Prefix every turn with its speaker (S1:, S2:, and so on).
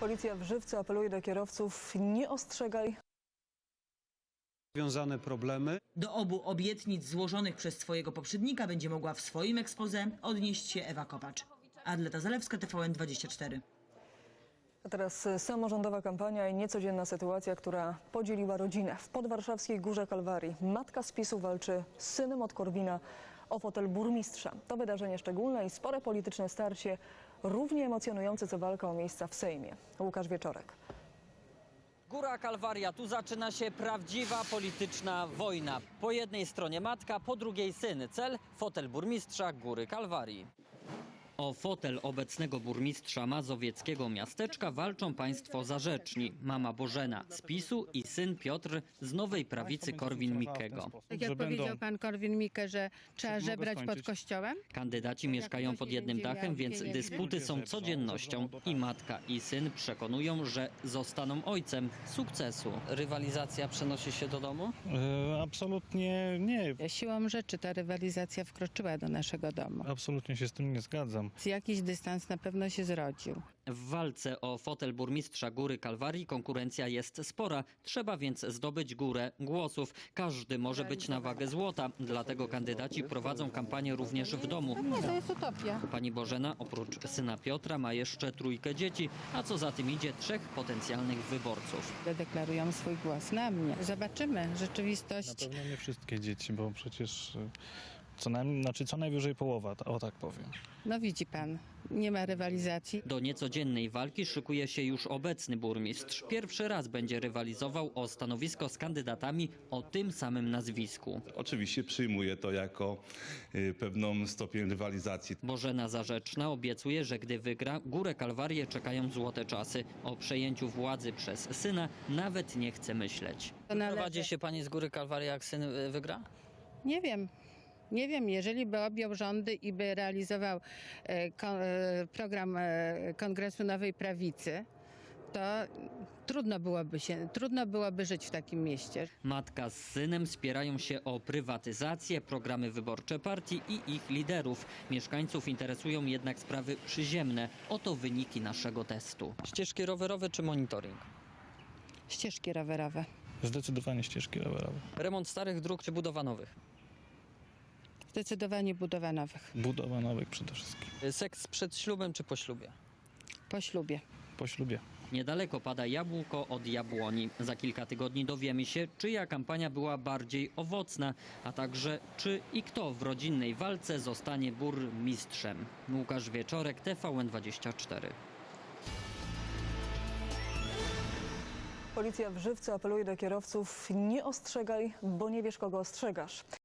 S1: Policja w Żywcu apeluje do kierowców: nie ostrzegaj.
S2: Związane problemy.
S3: Do obu obietnic złożonych przez swojego poprzednika będzie mogła w swoim exposé odnieść się Ewa Kopacz. Adleta Zalewska, TVN24.
S1: A teraz samorządowa kampania i niecodzienna sytuacja, która podzieliła rodzinę. W podwarszawskiej Górze Kalwarii matka z PiS-u walczy z synem od Korwina o fotel burmistrza. To wydarzenie szczególne i spore polityczne starcie, równie emocjonujące co walka o miejsca w Sejmie. Łukasz Wieczorek.
S4: Góra Kalwaria, tu zaczyna się prawdziwa polityczna wojna. Po jednej stronie matka, po drugiej syn. Cel: fotel burmistrza Góry Kalwarii. O fotel obecnego burmistrza mazowieckiego miasteczka walczą państwo zarzeczni. Mama Bożena z PiS-u i syn Piotr z Nowej Prawicy Korwin-Mikkego.
S5: Tak jak powiedział pan Korwin-Mikke, że trzeba żebrać pod kościołem?
S4: Kandydaci mieszkają pod jednym dachem, więc dysputy są codziennością. I matka, i syn przekonują, że zostaną ojcem sukcesu. Rywalizacja przenosi się do domu?
S6: Absolutnie nie.
S5: Siłą rzeczy ta rywalizacja wkroczyła do naszego domu.
S6: Absolutnie się z tym nie zgadzam.
S5: Jakiś dystans na pewno się zrodził.
S4: W walce o fotel burmistrza Góry Kalwarii konkurencja jest spora. Trzeba więc zdobyć górę głosów. Każdy może być na wagę złota. Dlatego kandydaci prowadzą kampanię również w domu.
S5: Nie, to jest utopia.
S4: Pani Bożena oprócz syna Piotra ma jeszcze 3 dzieci, a co za tym idzie 3 potencjalnych wyborców.
S5: Deklarują swój głos na mnie. Zobaczymy
S6: Na
S5: rzeczywistość.
S6: pewno nie wszystkie dzieci, bo przecież co najwyżej połowa, o tak powiem.
S5: No widzi pan, nie ma rywalizacji.
S4: Do niecodziennej walki szykuje się już obecny burmistrz. Pierwszy raz będzie rywalizował o stanowisko z kandydatami o tym samym nazwisku.
S7: Oczywiście przyjmuję to jako pewną stopień rywalizacji.
S4: Bożena Zarzeczna obiecuje, że gdy wygra, Górę Kalwarię czekają złote czasy. O przejęciu władzy przez syna nawet nie chce myśleć. Prowadzi się pani z Góry Kalwarii, jak syn wygra?
S5: Nie wiem. Nie wiem, jeżeli by objął rządy i by realizował program Kongresu Nowej Prawicy, to trudno byłoby żyć w takim mieście.
S4: Matka z synem spierają się o prywatyzację, programy wyborcze partii i ich liderów. Mieszkańców interesują jednak sprawy przyziemne. Oto wyniki naszego testu. Ścieżki rowerowe czy monitoring?
S5: Ścieżki rowerowe.
S6: Zdecydowanie ścieżki rowerowe.
S4: Remont starych dróg czy budowa nowych?
S5: Zdecydowanie budowa nowych.
S6: Budowa nowych przede wszystkim.
S4: Seks przed ślubem czy po ślubie?
S5: Po ślubie.
S6: Po ślubie.
S4: Niedaleko pada jabłko od jabłoni. Za kilka tygodni dowiemy się, czyja kampania była bardziej owocna, a także czy i kto w rodzinnej walce zostanie burmistrzem. Łukasz Wieczorek, TVN24.
S1: Policja w Żywcu apeluje do kierowców: nie ostrzegaj, bo nie wiesz, kogo ostrzegasz.